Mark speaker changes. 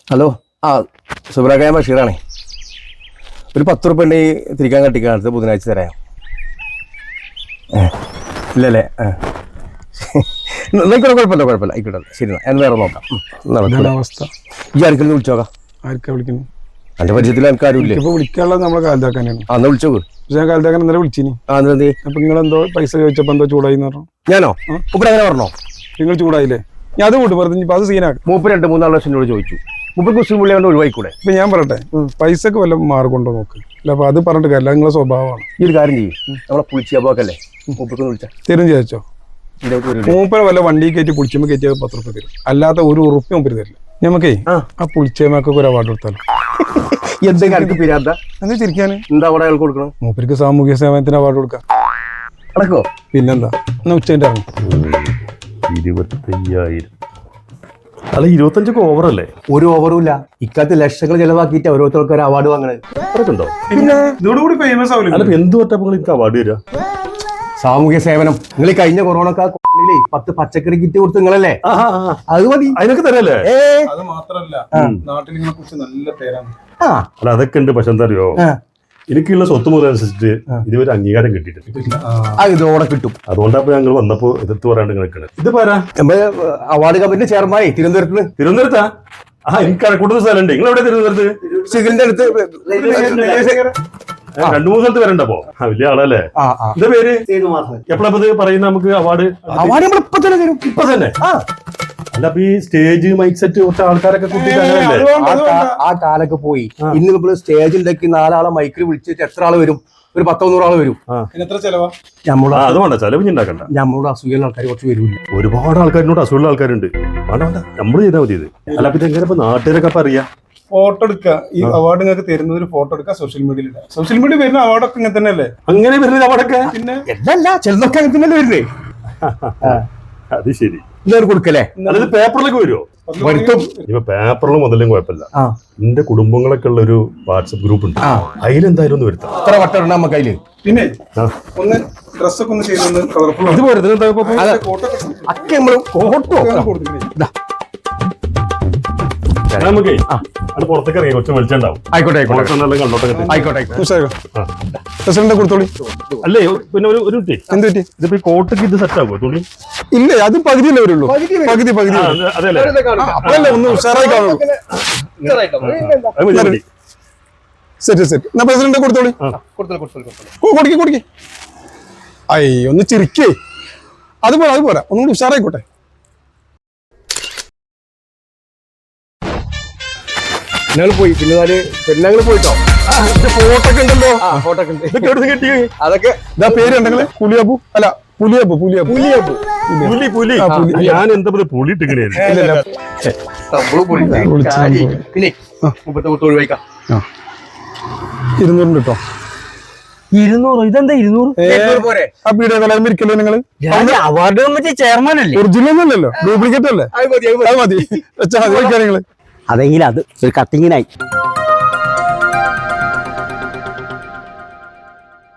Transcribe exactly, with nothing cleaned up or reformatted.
Speaker 1: Hello ആ സുബ്രാഖായ ബഷീറാണേ. ഒരു പത്ത് ഉറുപ്പ ഉണ്ടെങ്കിൽ തിരിക്കാൻ കട്ടിക്കാൻ അടുത്ത ബുധനാഴ്ച തരാം. ഇല്ലല്ലേ? ആ നോക്കട്ടെ, കുഴപ്പമില്ല കുഴപ്പമില്ല ആയിക്കോട്ടെ. ശരി ഞാൻ വേറെ നോക്കാം.
Speaker 2: അവസ്ഥ
Speaker 1: ഈ ആർക്കെങ്കിലും വിളിച്ചോക്കാം.
Speaker 2: ആർക്കാ വിളിക്കുന്നു?
Speaker 1: എന്റെ പരിചയത്തിൽ എനിക്ക് ആരും ഇല്ലേ?
Speaker 2: ഇപ്പൊ വിളിക്കാനുള്ളത് നമ്മളെ കാലത്താക്കാനാണ്.
Speaker 1: അന്ന് വിളിച്ചോക്ക്.
Speaker 2: ഞാൻ കാലത്താക്കാൻ ഇന്നലെ വിളിച്ചിനി.
Speaker 1: ആ എന്തി
Speaker 2: അപ്പൊ നിങ്ങളെന്തോ പൈസ ചോദിച്ചപ്പോ എന്തോ ചൂടായി പറഞ്ഞു.
Speaker 1: ഞാനോ? മൂപ്പര് അങ്ങനെ പറഞ്ഞോ?
Speaker 2: നിങ്ങൾ ചൂടായില്ലേ? ഞാൻ അത് കൂട്ട് പറഞ്ഞു. ഇപ്പൊ അത് സീനാക്കും.
Speaker 1: മൂപ്പര് രണ്ട് മൂന്നാല് ലക്ഷം രൂപ ചോദിച്ചു. മുപ്പത് കുസ്ലിം പുള്ളി കൊണ്ട് ഒഴിവായിക്കൂടെ?
Speaker 2: ഇപ്പൊ ഞാൻ പറയട്ടെ, പൈസക്ക് വല്ല മാർഗുണ്ടോ നോക്ക്. അല്ല അപ്പൊ അത് പറഞ്ഞിട്ട് കാര്യമില്ല, നിങ്ങളെ സ്വഭാവമാണ്.
Speaker 1: ഈ ഒരു കാര്യം ചെയ്യും, നമ്മളെ പുളിച്ചിയാക്കല്ലേ മൂപ്പർക്ക് വിളിച്ചാ
Speaker 2: തരും ചോദിച്ചോ. മൂപ്പര വല്ല വണ്ടി കയറ്റി പുളിച്ചമ്മ കയറ്റിയത് പത്ത് റുപ്യ തരും, അല്ലാത്ത ഒരു ഉറുപ്പ്യ മൂപ്പര് തരില്ല. ഞമ്മക്കേ ആ പുളിച്ചമ്മക്കൊക്കെ ഒരു അവാർഡ് കൊടുത്താലോ?
Speaker 1: എന്തെങ്കിലും എനിക്ക് പിരാന്ത
Speaker 2: എന്താ ചിരിക്കാന്?
Speaker 1: എന്താ അവിടെ അയാൾക്ക് കൊടുക്കണം?
Speaker 2: മൂപ്പർക്ക് സാമൂഹ്യ സേവനത്തിന് അവാർഡ് കൊടുക്കാം.
Speaker 1: അടക്കോ?
Speaker 2: പിന്നെന്താ, എന്നാ ഉച്ചേന്റെ ഇറങ്ങി.
Speaker 3: ഇരുപത്തയ്യായിരം അല്ല, ഇരുപത്തഞ്ചൊക്കെ ഓവറല്ലേ?
Speaker 1: ഒരു ഓവറും ഇല്ല. ഇക്കാലത്ത് ലക്ഷങ്ങൾ ചെലവാക്കിയിട്ട് ഓരോരുത്തർക്ക് ഒരു അവാർഡ് വാങ്ങണത്
Speaker 3: ഉണ്ടോ?
Speaker 2: പിന്നെ ഇതോടുകൂടി ഫേമസ് ആവില്ല.
Speaker 3: അല്ല എന്ത് പറ്റപ്പോൾ എനിക്ക് അവാർഡ് തരാ?
Speaker 1: സാമൂഹ്യ സേവനം. നിങ്ങൾ കഴിഞ്ഞ കൊറോണക്കാ പത്ത് പച്ചക്കറി കിറ്റ് കൊടുത്ത് നിങ്ങളല്ലേ? അത് മതി,
Speaker 3: അതിനൊക്കെ തരല്ലേ?
Speaker 2: അത് മാത്രല്ല, നാട്ടിൽ നിങ്ങളെ കുറിച്ച് നല്ല പേരാണ്.
Speaker 3: അല്ല അതൊക്കെ ഉണ്ട്. പക്ഷെ എന്താ അറിയോ, എനിക്കുള്ള സ്വത്ത് മുതൽ അനുസരിച്ചിട്ട് ഇതുവരെ അംഗീകാരം കിട്ടിയിട്ടില്ല.
Speaker 1: ഇതോടെ കിട്ടും.
Speaker 3: അതുകൊണ്ടാണ് ഞങ്ങൾ വന്നപ്പോ എതിർത്ത് പറയാണ്ട് നിൽക്കുന്നത്. ഇത് പോരാ,
Speaker 1: അവാർഡ് കമ്മിറ്റി ചെയർമാനെ തിരുവനന്തപുരത്ത്.
Speaker 3: തിരുവനന്തപുരത്താ? ആ എനിക്ക് കണക്കൂട്ടുന്ന സ്ഥലമുണ്ട്. നിങ്ങൾ എവിടെ? തിരുവനന്തപുരത്ത്
Speaker 1: സിഗിലിന്റെ അടുത്ത്
Speaker 3: രണ്ടു മൂന്ന് സ്ഥലത്ത് വരണ്ടപ്പോ. ആ വലിയ ആളല്ലേ? എന്താ പേര്? എപ്പോഴാ ഇത് പറയുന്ന നമുക്ക് അവാർഡ്?
Speaker 1: അവാർഡ് നമ്മൾ ഇപ്പൊ തന്നെ തരും.
Speaker 3: ഇപ്പൊ തന്നെ? അല്ല അപ്പൊ ഈ സ്റ്റേജ് മൈക്ക് സെറ്റ് കുറച്ച് ആൾക്കാരൊക്കെ
Speaker 1: ആ കാലൊക്കെ പോയി. ഇന്ന് നമ്മള് സ്റ്റേജ് ഉണ്ടാക്കി നാലാളെ മൈക്കിൽ വിളിച്ചിട്ട് എത്ര ആള് വരും? ഒരു പത്തൊന്നൂറാള് വരും.
Speaker 3: അത് വേണ്ട, ചെലവ് ഉണ്ടാക്കണ്ട.
Speaker 1: നമ്മളോട് അസൂയുള്ള ആൾക്കാർ കുറച്ച് വരില്ല.
Speaker 3: ഒരുപാട് ആൾക്കാരിനോട് അസുഖമുള്ള ആൾക്കാരുണ്ട്. വേണ്ട വേണ്ട, നമ്മള് ചെയ്താൽ മതി ഇത്. അല്ല അപ്പൊ ഇതെങ്ങനെ ഇപ്പൊ നാട്ടുകാരൊക്കെ അപ്പൊ അറിയാം?
Speaker 2: ഫോട്ടോ എടുക്കുക. ഈ അവാർഡ് നിങ്ങൾക്ക് തരുന്നത് ഒരു ഫോട്ടോ എടുക്കുക, സോഷ്യൽ മീഡിയയിൽ ഇടുക. സോഷ്യൽ മീഡിയ വരുന്ന അവാർഡൊക്കെ ഇങ്ങനെ തന്നെ അല്ലേ?
Speaker 3: അങ്ങനെ വരുന്നത് അവാർഡൊക്കെ?
Speaker 2: പിന്നെ
Speaker 1: എന്നല്ല, ചിലതൊക്കെ അങ്ങനെ തന്നെ വരുന്നേ.
Speaker 3: അത് ശരി.
Speaker 1: ഇന്നൊരു കൊടുക്കല്ലേ?
Speaker 3: അതായത് പേപ്പറിലൊക്കെ വരുമോ? ഇപ്പൊ പേപ്പറിലും മുതലും കുഴപ്പമില്ല. എന്റെ കുടുംബങ്ങളൊക്കെ ഉള്ള ഒരു വാട്സപ്പ് ഗ്രൂപ്പ് ഉണ്ട്, അതിലെന്തായാലും ഒന്ന് വരുത്താം.
Speaker 1: എത്ര വട്ടം നമുക്ക് അതില്. പിന്നെ
Speaker 2: ഒന്ന് ഡ്രസ്സൊക്കെ ഒന്ന് ചെയ്തൊന്ന് കളർഫുൾ.
Speaker 1: ഇത് ഒക്കെ നമ്മള് ഫോട്ടോ
Speaker 3: നമുക്കേ അത് പുറത്തേക്ക് ഇറങ്ങി കുറച്ച് വെളിച്ചുണ്ടാവും.
Speaker 1: ആയിക്കോട്ടെ ആയിക്കോട്ടെ
Speaker 3: കണ്ടോട്ടെ.
Speaker 1: ആയിക്കോട്ടെ.
Speaker 2: പ്രസിഡന്റ് കൊടുത്തോളി.
Speaker 3: അല്ലേ പിന്നെ ഒരു ഒരു കുട്ടി
Speaker 2: എന്ത് പറ്റി?
Speaker 3: ഇതിപ്പോ ഈ കോട്ടയ്ക്ക് ഇത് സെറ്റ് ആകുമോ തുണി?
Speaker 2: ഇല്ല, അത് പകുതിയല്ലേ വരുള്ളൂ. പകുതി പകുതി
Speaker 3: അതെല്ലേ?
Speaker 2: അതല്ലേ ഒന്ന് ഉഷാറായി കാണുള്ളൂ. Set set. എന്നാ പ്രസിഡന്റ് കൊടുത്തോളി. കൊടുക്കി കൊടുക്കി. അയ്യ ഒന്ന് ചിരിക്കേ. അത് പോരാ അത് പോരാ, ഒന്നുകൂടി ഉഷാറായിക്കോട്ടെ.
Speaker 1: ഞങ്ങൾ പോയി. പിന്നെ നാല് പെണ്ണുങ്ങൾ പോയിട്ടോ.
Speaker 2: ഫോട്ടോ ഒക്കെ ഉണ്ടല്ലോ.
Speaker 1: ഫോട്ടോ ഒക്കെ ഉണ്ട്.
Speaker 2: കിട്ടി.
Speaker 1: അതൊക്കെ
Speaker 2: ഇതാ പേര് ഉണ്ടെങ്കിൽ പുലിയപ്പു. അല്ല പുലിയപ്പു പുലിയപ്പു
Speaker 1: പുലിയപ്പു
Speaker 3: പുലി പുലി. ഞാൻ എന്താ പുലി ഇട്ടിങ്ങനെ
Speaker 1: പിന്നെ മുപ്പത്തി ഒഴിവാക്കാം.
Speaker 2: ഇരുന്നൂറ് കേട്ടോ.
Speaker 1: ഇരുന്നൂറ്? ഇതെന്താ ഇരുന്നൂറ്?
Speaker 2: ആ പീഡിയ കലാരം ഇരിക്കല്ലോ നിങ്ങള്.
Speaker 1: അവാർഡ് കമ്മിറ്റി ചെയർമാൻ അല്ലേ?
Speaker 2: ഒറിജിനൽ ഒന്നല്ലോ, ഡ്യൂപ്ലിക്കേറ്റ് അല്ലേ? അത് മതി വെച്ചാൽ മതി. നിങ്ങള്
Speaker 4: അതെങ്കിലും അത് ഒരു കത്തിങ്ങിനായി